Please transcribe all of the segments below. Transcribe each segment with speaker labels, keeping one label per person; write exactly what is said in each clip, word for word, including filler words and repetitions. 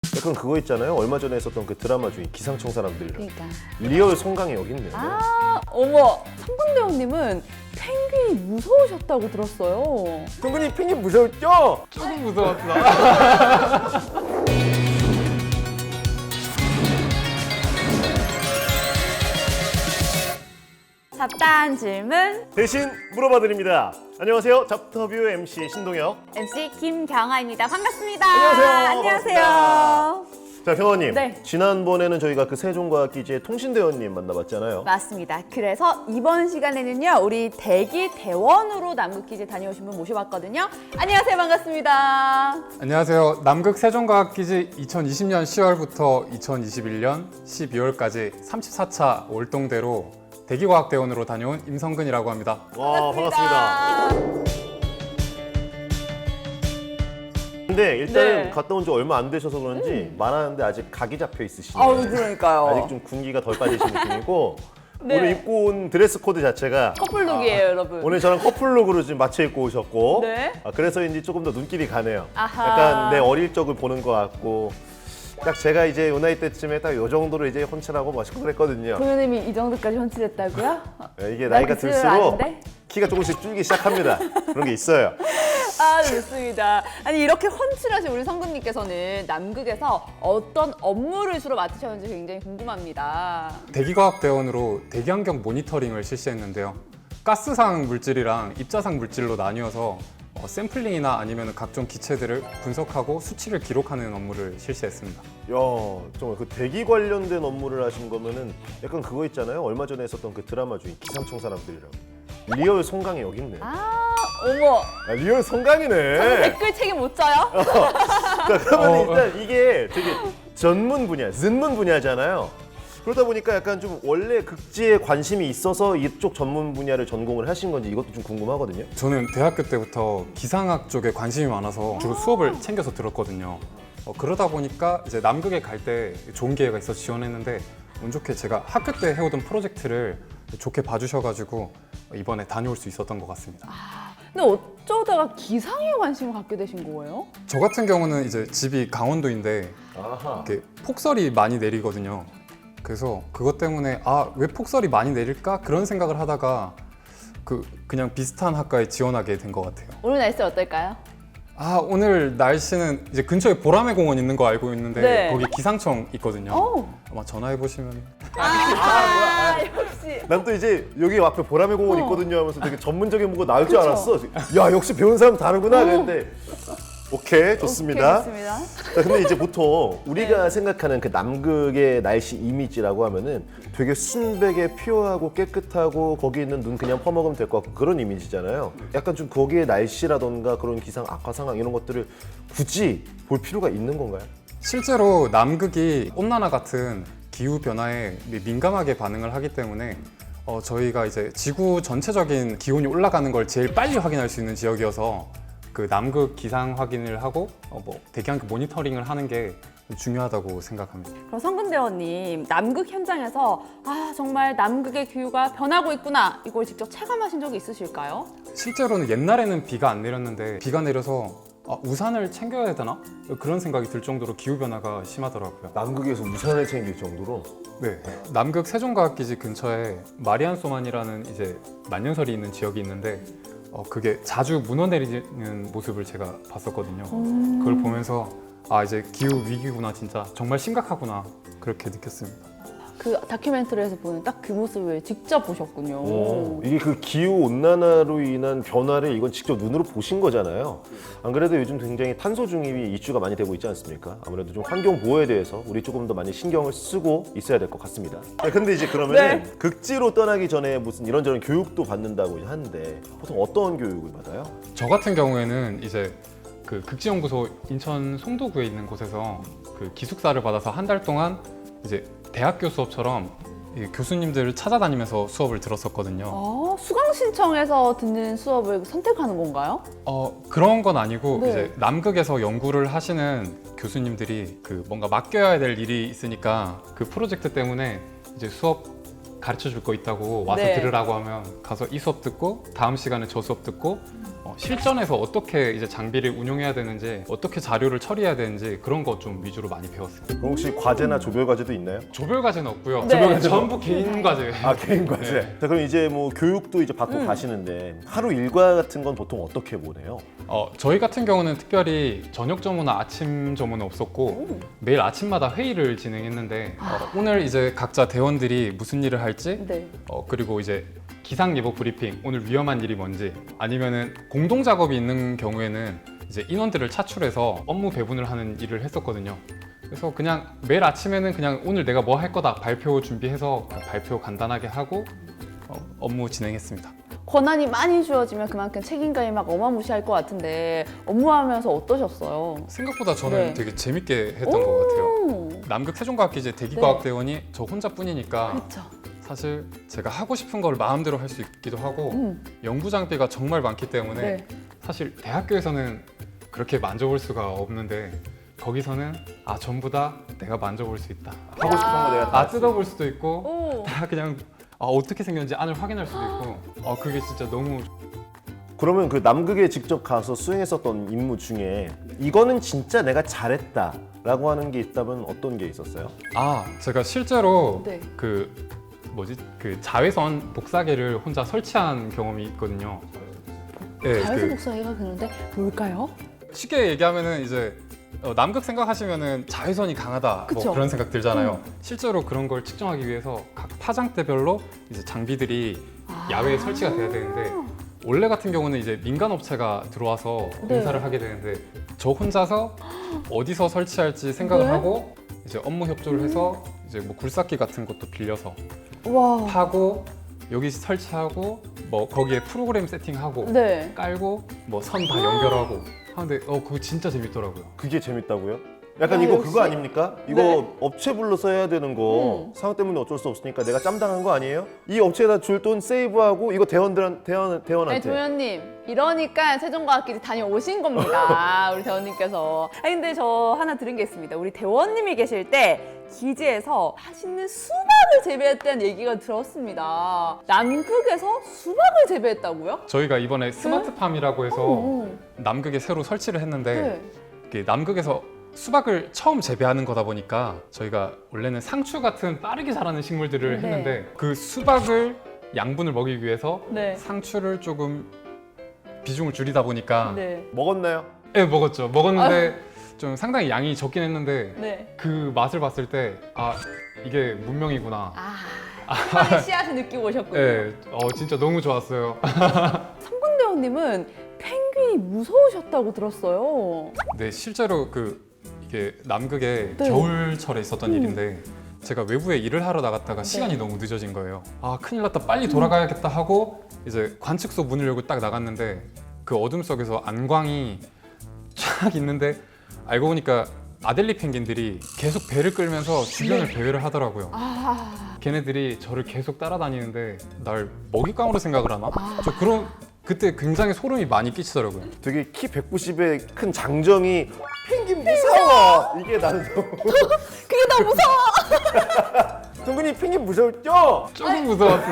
Speaker 1: 약간 그거 있잖아요. 얼마 전에 했었던 그 드라마 중에 기상청 사람들이랑
Speaker 2: 그러니까.
Speaker 1: 리얼 송강이 여기 있네요.
Speaker 2: 아, 어머, 성근대원님은 펭귄이 무서우셨다고 들었어요.
Speaker 1: 동근이 펭귄 무서웠죠?
Speaker 3: 조금 무서웠다.
Speaker 2: 잡다한 질문
Speaker 1: 대신 물어봐드립니다. 안녕하세요. 잡터뷰 엠씨 신동혁.
Speaker 2: 엠씨 김경아입니다. 반갑습니다.
Speaker 1: 안녕하세요.
Speaker 2: 안녕하세요.
Speaker 1: 자, 경아님.
Speaker 2: 네.
Speaker 1: 지난번에는 저희가 그 세종과학기지의 통신대원님 만나봤잖아요.
Speaker 2: 맞습니다. 그래서 이번 시간에는요, 우리 대기 대원으로 남극기지 다녀오신 분 모셔봤거든요. 안녕하세요. 반갑습니다.
Speaker 3: 안녕하세요. 남극 세종과학기지 이천이십 년 시월부터 이천이십일 년 십이월까지 삼십사 차 월동대로 대기과학대원으로 다녀온 임성근이라고 합니다.
Speaker 1: 와, 반갑습니다. 근데 일단은
Speaker 2: 네.
Speaker 1: 갔다 온 지 얼마 안 되셔서 그런지 말하는데 아직 각이 잡혀 있으시네요.
Speaker 2: 아우, 그러니까요.
Speaker 1: 아직 좀 군기가 덜 빠지신 느낌이고
Speaker 2: 네.
Speaker 1: 오늘 입고 온 드레스 코드 자체가
Speaker 2: 커플룩이에요, 여러분.
Speaker 1: 오늘 저랑 커플룩으로 지금 맞춰 입고 오셨고
Speaker 2: 네.
Speaker 1: 아, 그래서인지 조금 더 눈길이 가네요.
Speaker 2: 아하.
Speaker 1: 약간 내 어릴 적을 보는 것 같고 딱 제가 이제 요 나이 때쯤에 딱 요 정도로 이제 혼칠하고 멋있고 그랬거든요.
Speaker 2: 도현님이 이 정도까지 헌칠했다고요?
Speaker 1: 네, 이게 나이가
Speaker 2: 나 그쯤은
Speaker 1: 들수록
Speaker 2: 아닌데?
Speaker 1: 키가 조금씩 줄기 시작합니다. 그런 게 있어요.
Speaker 2: 아, 좋습니다. 아니, 이렇게 헌칠하신 우리 성근님께서는 남극에서 어떤 업무를 주로 맡으셨는지 굉장히 궁금합니다.
Speaker 3: 대기과학대원으로 대기환경 모니터링을 실시했는데요. 가스상 물질이랑 입자상 물질로 나뉘어서 어, 샘플링이나 아니면 각종 기체들을 분석하고 수치를 기록하는 업무를 실시했습니다.
Speaker 1: 야, 정말 그 대기 관련된 업무를 하신 거면은 약간 그거 있잖아요. 얼마 전에 했었던 그 드라마 중에 기상청 사람들이랑 리얼 송강이 여기 있네.
Speaker 2: 아, 어머.
Speaker 1: 아, 리얼 송강이네.
Speaker 2: 저는 댓글 책임 못 져요?
Speaker 1: 자, 그러면
Speaker 3: 어,
Speaker 1: 일단 이게 되게 전문 분야, 전문 분야잖아요. 그러다 보니까 약간 좀 원래 극지에 관심이 있어서 이쪽 전문 분야를 전공을 하신 건지 이것도 좀 궁금하거든요.
Speaker 3: 저는 대학교 때부터 기상학 쪽에 관심이 많아서 주로 수업을 챙겨서 들었거든요. 어, 그러다 보니까 이제 남극에 갈 때 좋은 기회가 있어서 지원했는데 운 좋게 제가 학교 때 해오던 프로젝트를 좋게 봐주셔가지고 이번에 다녀올 수 있었던 것 같습니다.
Speaker 2: 근데 어쩌다가 기상에 관심을 갖게 되신 거예요?
Speaker 3: 저 같은 경우는 이제 집이 강원도인데
Speaker 1: 아하.
Speaker 3: 이렇게 폭설이 많이 내리거든요. 그래서 그것 때문에 아, 왜 폭설이 많이 내릴까? 그런 생각을 하다가 그 그냥 비슷한 학과에 지원하게 된 것 같아요.
Speaker 2: 오늘 날씨 어떨까요?
Speaker 3: 아, 오늘 날씨는 이제 근처에 보라매 공원 있는 거 알고 있는데
Speaker 2: 네.
Speaker 3: 거기 기상청 있거든요.
Speaker 2: 오.
Speaker 3: 아마 전화해 보시면
Speaker 2: 아, 역시.
Speaker 1: 난 또 이제 여기 앞에 보라매 공원
Speaker 2: 어.
Speaker 1: 있거든요 하면서 되게 전문적인 뭐가 나올 줄
Speaker 2: 그쵸?
Speaker 1: 알았어. 야, 역시 배운 사람 다르구나 그랬는데 오케이, 좋습니다.
Speaker 2: 오케이, 좋습니다.
Speaker 1: 자, 근데 이제 보통 우리가
Speaker 2: 네.
Speaker 1: 생각하는 그 남극의 날씨 이미지라고 하면은 되게 순백에 퓨어하고 깨끗하고 거기 있는 눈 그냥 퍼먹으면 될 것 같고 그런 이미지잖아요. 약간 좀 거기에 날씨라던가 그런 기상 악화 상황 이런 것들을 굳이 볼 필요가 있는 건가요?
Speaker 3: 실제로 남극이 온난화 같은 기후 변화에 민감하게 반응을 하기 때문에 어, 저희가 이제 지구 전체적인 기온이 올라가는 걸 제일 빨리 확인할 수 있는 지역이어서 그 남극 기상 확인을 하고 어, 뭐 대기환경 모니터링을 하는 게 중요하다고 생각합니다.
Speaker 2: 그럼 성근대원님, 남극 현장에서 아, 정말 남극의 기후가 변하고 있구나, 이걸 직접 체감하신 적이 있으실까요?
Speaker 3: 실제로는 옛날에는 비가 안 내렸는데 비가 내려서 아, 우산을 챙겨야 되나? 그런 생각이 들 정도로 기후 변화가 심하더라고요.
Speaker 1: 남극에서 우산을 챙길 정도로.
Speaker 3: 네, 남극 세종과학기지 근처에 마리안소만이라는 이제 만년설이 있는 지역이 있는데 어, 그게 자주 무너 내리는 모습을 제가 봤었거든요. 그걸 보면서 아, 이제 기후 위기구나, 진짜 정말 심각하구나, 그렇게 느꼈습니다.
Speaker 2: 그 다큐멘터리에서 보는 딱 그 모습을 직접 보셨군요.
Speaker 1: 오, 이게 그 기후 온난화로 인한 변화를 이건 직접 눈으로 보신 거잖아요. 안 그래도 요즘 굉장히 탄소 중립이 이슈가 많이 되고 있지 않습니까? 아무래도 좀 환경 보호에 대해서 우리 조금 더 많이 신경을 쓰고 있어야 될 것 같습니다. 아, 근데 이제 그러면
Speaker 2: 네.
Speaker 1: 극지로 떠나기 전에 무슨 이런저런 교육도 받는다고 하는데 보통 어떤 교육을 받아요?
Speaker 3: 저 같은 경우에는 이제 그 극지연구소 인천 송도구에 있는 곳에서 그 기숙사를 받아서 한 달 동안 이제 대학교 수업처럼 이 교수님들을 찾아다니면서 수업을 들었었거든요.
Speaker 2: 어, 수강 신청해서 듣는 수업을 선택하는 건가요?
Speaker 3: 어, 그런 건 아니고
Speaker 2: 네.
Speaker 3: 이제 남극에서 연구를 하시는 교수님들이 그 뭔가 맡겨야 될 일이 있으니까 그 프로젝트 때문에 이제 수업 가르쳐 줄 거 있다고 와서
Speaker 2: 네.
Speaker 3: 들으라고 하면 가서 이 수업 듣고 다음 시간에 저 수업 듣고 어, 실전에서 어떻게 이제 장비를 운용해야 되는지, 어떻게 자료를 처리해야 되는지 그런 거 좀 위주로 많이 배웠어요.
Speaker 1: 그럼 혹시 과제나 조별 과제도 있나요?
Speaker 3: 조별 과제는 없고요.
Speaker 2: 네.
Speaker 3: 조별 과제 전부 개인 과제예요.
Speaker 1: 아 개인 과제.
Speaker 3: 네.
Speaker 1: 자 그럼 이제 뭐 교육도 이제 받고 가시는데 하루 일과 같은 건 보통 어떻게 보내요?
Speaker 3: 어, 저희 같은 경우는 특별히 저녁 점호나 아침 점호는 없었고 매일 아침마다 회의를 진행했는데 어, 오늘 이제 각자 대원들이 무슨 일을 할지
Speaker 2: 네.
Speaker 3: 어, 그리고 이제 기상 예보 브리핑, 오늘 위험한 일이 뭔지, 아니면은 공동 작업이 있는 경우에는 이제 인원들을 차출해서 업무 배분을 하는 일을 했었거든요. 그래서 그냥 매일 아침에는 그냥 오늘 내가 뭐 할 거다 발표 준비해서 발표 간단하게 하고 어, 업무 진행했습니다.
Speaker 2: 권한이 많이 주어지면 그만큼 책임감이 막 어마무시할 것 같은데 업무하면서 어떠셨어요?
Speaker 3: 생각보다 저는
Speaker 2: 네.
Speaker 3: 되게 재밌게 했던 것 같아요.
Speaker 2: 오,
Speaker 3: 남극 세종과학기제 대기과학대원이 저 혼자뿐이니까
Speaker 2: 그렇죠.
Speaker 3: 사실 제가 하고 싶은 걸 마음대로 할 수 있기도 하고
Speaker 2: 음.
Speaker 3: 연구 장비가 정말 많기 때문에
Speaker 2: 네.
Speaker 3: 사실 대학교에서는 그렇게 만져볼 수가 없는데 거기서는 아 전부 다 내가 만져볼 수 있다.
Speaker 1: 하고 싶은 거 내가 다
Speaker 3: 아
Speaker 1: 할 수 있어.
Speaker 3: 뜯어볼 수도 있고
Speaker 2: 오.
Speaker 3: 다 그냥 아, 어떻게 생겼는지 안을 확인할 수도 있고 아 그게 진짜 너무
Speaker 1: 그러면 그 남극에 직접 가서 수행했었던 임무 중에 이거는 진짜 내가 잘했다라고 하는 게 있다면 어떤 게 있었어요?
Speaker 3: 아 제가 실제로
Speaker 2: 네.
Speaker 3: 그 뭐지 그 자외선 복사기를 혼자 설치한 경험이 있거든요. 네,
Speaker 2: 자외선
Speaker 3: 그
Speaker 2: 복사기가 그런데 뭘까요?
Speaker 3: 쉽게 얘기하면은 이제 어, 남극 생각하시면은 자외선이 강하다
Speaker 2: 그쵸.
Speaker 3: 뭐 그런 생각 들잖아요.
Speaker 2: 음.
Speaker 3: 실제로 그런 걸 측정하기 위해서 각 파장대별로 이제 장비들이 야외에 설치가 돼야 되는데 원래 같은 경우는 이제 민간 업체가 들어와서
Speaker 2: 네.
Speaker 3: 공사를 하게 되는데 저 혼자서 어디서 설치할지 생각을
Speaker 2: 네?
Speaker 3: 하고 이제 업무 협조를 해서 이제 뭐 굴삭기 같은 것도 빌려서
Speaker 2: 와.
Speaker 3: 파고 여기 설치하고 뭐 거기에 프로그램 세팅하고
Speaker 2: 네.
Speaker 3: 깔고 뭐 선 다 연결하고 하는데 어 그거 진짜 재밌더라고요.
Speaker 1: 그게 재밌다고요? 약간
Speaker 2: 야,
Speaker 1: 이거
Speaker 2: 역시.
Speaker 1: 그거 아닙니까? 이거
Speaker 2: 네.
Speaker 1: 업체 불러서 해야 되는 거
Speaker 2: 음.
Speaker 1: 상황 때문에 어쩔 수 없으니까 내가 짬당한 거 아니에요? 이 업체에다 줄 돈 세이브하고 이거 대원들한 대원
Speaker 2: 아니
Speaker 1: 대원한테
Speaker 2: 도현님 이러니까 세종과학기지 다녀오신 겁니다. 우리 대원님께서. 아니 근데 저 하나 들은 게 있습니다. 우리 대원님이 계실 때 기지에서 맛있는 수박을 재배했다는 얘기가 들었습니다. 남극에서 수박을 재배했다고요?
Speaker 3: 저희가 이번에 스마트팜이라고 해서
Speaker 2: 오.
Speaker 3: 남극에 새로 설치를 했는데
Speaker 2: 네.
Speaker 3: 이게 남극에서 수박을 처음 재배하는 거다 보니까 저희가 원래는 상추 같은 빠르게 자라는 식물들을
Speaker 2: 네.
Speaker 3: 했는데 그 수박을 양분을 먹이기 위해서
Speaker 2: 네.
Speaker 3: 상추를 조금 비중을 줄이다 보니까
Speaker 2: 네.
Speaker 1: 먹었나요?
Speaker 3: 네, 먹었죠. 먹었는데 좀 상당히 양이 적긴 했는데
Speaker 2: 네.
Speaker 3: 그 맛을 봤을 때 아 이게 문명이구나.
Speaker 2: 아, 희망의 씨앗을 느끼고 오셨군요.
Speaker 3: 네, 어 진짜 너무 좋았어요.
Speaker 2: 성군대원님은 펭귄이 무서우셨다고 들었어요.
Speaker 3: 네, 실제로 그 이게 남극에
Speaker 2: 네.
Speaker 3: 겨울철에 있었던
Speaker 2: 음.
Speaker 3: 일인데 제가 외부에 일을 하러 나갔다가 시간이 너무 늦어진 거예요. 아 큰일 났다, 빨리 돌아가야겠다 하고 이제 관측소 문을 열고 딱 나갔는데 그 어둠 속에서 안광이 쫙 있는데 알고 보니까 아델리 펭귄들이 계속 배를 끌면서 주변을 배회를 하더라고요.
Speaker 2: 아,
Speaker 3: 걔네들이 저를 계속 따라다니는데 날 먹잇감으로 생각을 하나? 저 그런 그때 굉장히 소름이 많이 끼치더라고요.
Speaker 1: 되게 키 백구십의 큰 장정이 펭귄 무서워! 이게 나는 너무
Speaker 2: 그게 너무 무서워.
Speaker 1: 동근이 펭귄 무서웠죠?
Speaker 3: 조금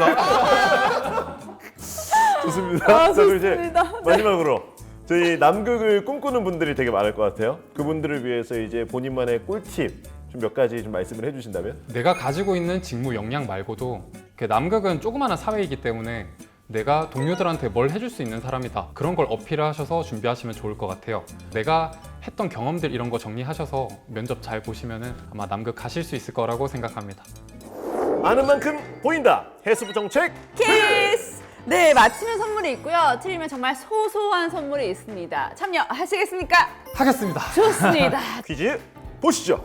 Speaker 3: 무서웠어.
Speaker 1: 좋습니다.
Speaker 2: 아,
Speaker 1: 자 그럼 이제
Speaker 2: 좋습니다.
Speaker 1: 마지막으로 저희 남극을 꿈꾸는 분들이 되게 많을 것 같아요. 그분들을 위해서 이제 본인만의 꿀팁 좀 몇 가지 좀 말씀을 해주신다면?
Speaker 3: 내가 가지고 있는 직무 역량 말고도 그 남극은 조그마한 사회이기 때문에 내가 동료들한테 뭘 해줄 수 있는 사람이다. 그런 걸 어필하셔서 준비하시면 좋을 것 같아요. 내가 했던 경험들 이런 거 정리하셔서 면접 잘 보시면은 아마 남극 가실 수 있을 거라고 생각합니다.
Speaker 1: 아는 만큼 보인다. 해수부 정책.
Speaker 2: 키스! 네, 맞히면 선물이 있고요. 틀리면 정말 소소한 선물이 있습니다. 참여하시겠습니까?
Speaker 3: 하겠습니다.
Speaker 2: 좋습니다.
Speaker 1: 퀴즈 보시죠.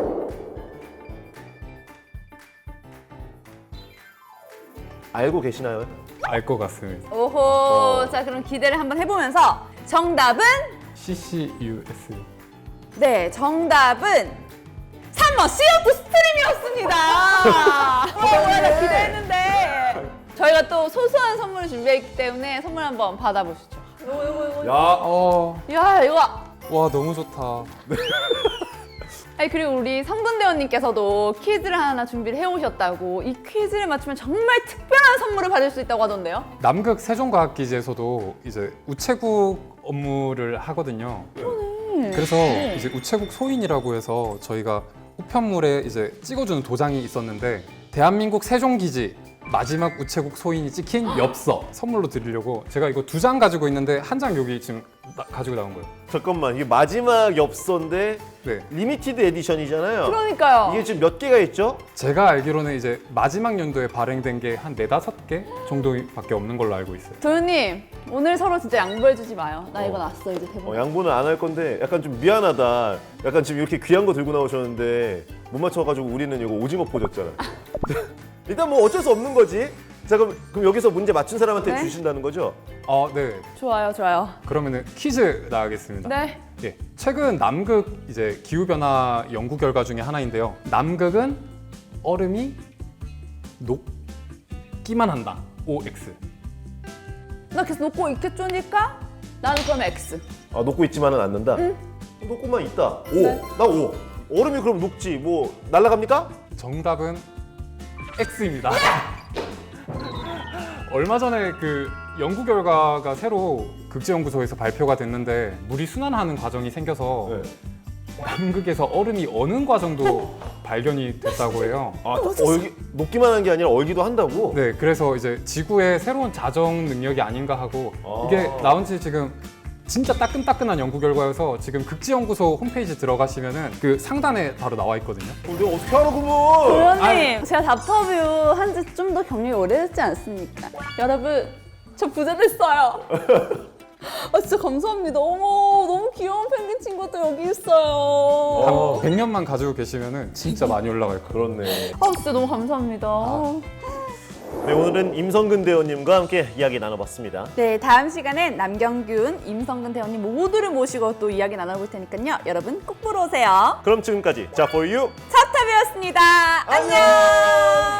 Speaker 1: 알고 계시나요?
Speaker 3: 알 것 같습니다.
Speaker 2: 오호,
Speaker 1: 어.
Speaker 2: 자 그럼 기대를 한번 해보면서 정답은?
Speaker 3: 씨씨유에스.
Speaker 2: 네, 정답은 삼 번 씨오투 스트림이었습니다. 어, 뭐야, 나 기대했는데. 저희가 또 소소한 선물을 준비했기 때문에 선물 한번 받아보시죠. 이거, 이거, 이거.
Speaker 1: 야,
Speaker 3: 어,
Speaker 2: 야, 이거.
Speaker 3: 와 너무 좋다.
Speaker 2: 아니 그리고 우리 성근대원님께서도 퀴즈를 하나 준비를 해오셨다고. 이 퀴즈를 맞추면 정말 특별한 선물을 받을 수 있다고 하던데요?
Speaker 3: 남극 세종과학기지에서도 이제 우체국 업무를 하거든요. 그래서 이제 우체국 소인이라고 해서 저희가 우편물에 이제 찍어주는 도장이 있었는데 대한민국 세종기지 마지막 우체국 소인이 찍힌 엽서 선물로 드리려고 제가 이거 두 장 가지고 있는데 한 장 여기 지금 나- 가지고 나온 거예요.
Speaker 1: 잠깐만, 이게 마지막 엽서인데
Speaker 3: 네,
Speaker 1: 리미티드 에디션이잖아요.
Speaker 2: 그러니까요.
Speaker 1: 이게 지금 몇 개가 있죠?
Speaker 3: 제가 알기로는 이제 마지막 연도에 발행된 게 한 네다섯 개 정도밖에 없는 걸로 알고 있어요.
Speaker 2: 도현님 오늘 서로 진짜 양보해주지 마요. 나 이거
Speaker 1: 어.
Speaker 2: 났어 이제 대본.
Speaker 1: 어, 양보는 안 할 건데 약간 좀 미안하다. 약간 지금 이렇게 귀한 거 들고 나오셨는데 못 맞춰가지고 우리는 이거 오징어 포졌잖아. 일단 뭐 어쩔 수 없는 거지. 자 그럼, 그럼 여기서 문제 맞춘 사람한테
Speaker 2: 네.
Speaker 1: 주신다는 거죠?
Speaker 3: 어, 네.
Speaker 2: 좋아요, 좋아요.
Speaker 3: 그러면은 퀴즈 나가겠습니다.
Speaker 2: 네.
Speaker 3: 예, 최근 남극 이제 기후 변화 연구 결과 중에 하나인데요. 남극은 얼음이 녹기만 한다. 오 엑스.
Speaker 2: 나 계속 놓고 있겠죠니까? 나는 그럼 X.
Speaker 1: 아 녹고 있지만은 않는다. 녹고만 있다. 오,
Speaker 2: 네.
Speaker 1: 나 오. 얼음이 그럼 녹지. 뭐 날아갑니까?
Speaker 3: 정답은 X입니다. 얼마 전에 그 연구 결과가 새로 극지연구소에서 발표가 됐는데 물이 순환하는 과정이 생겨서
Speaker 1: 네.
Speaker 3: 남극에서 얼음이 어는 과정도 발견이 됐다고 해요.
Speaker 1: 아 얼기 녹기만 한 게 아니라 얼기도 한다고?
Speaker 3: 네, 그래서 이제 지구의 새로운 자정 능력이 아닌가 하고
Speaker 1: 아.
Speaker 3: 이게 나온 지 지금 진짜 따끈따끈한 연구 결과여서 지금 극지연구소 홈페이지 들어가시면은 그 상단에 바로 나와 있거든요.
Speaker 1: 어, 내가 어떻게 알아 그러면?
Speaker 2: 도현님, 제가 답터뷰 한 지 좀 더 경력이 오래됐지 않습니까? 여러분, 저 부자 됐어요. 아 진짜 감사합니다. 어머, 너무 귀여운 펭귄 친구도 여기 있어요.
Speaker 3: 한 백 년만 가지고 계시면은 진짜 많이 올라갈 거예요.
Speaker 1: 그렇네.
Speaker 2: 아 진짜 너무 감사합니다.
Speaker 1: 네, 오늘은 임성근 대원님과 함께 이야기 나눠봤습니다.
Speaker 2: 네, 다음 시간엔 남경균, 임성근 대원님 모두를 모시고 또 이야기 나눠볼 테니까요. 여러분 꼭 보러 오세요.
Speaker 1: 그럼 지금까지 자 for you
Speaker 2: 섭탑이었습니다. 안녕.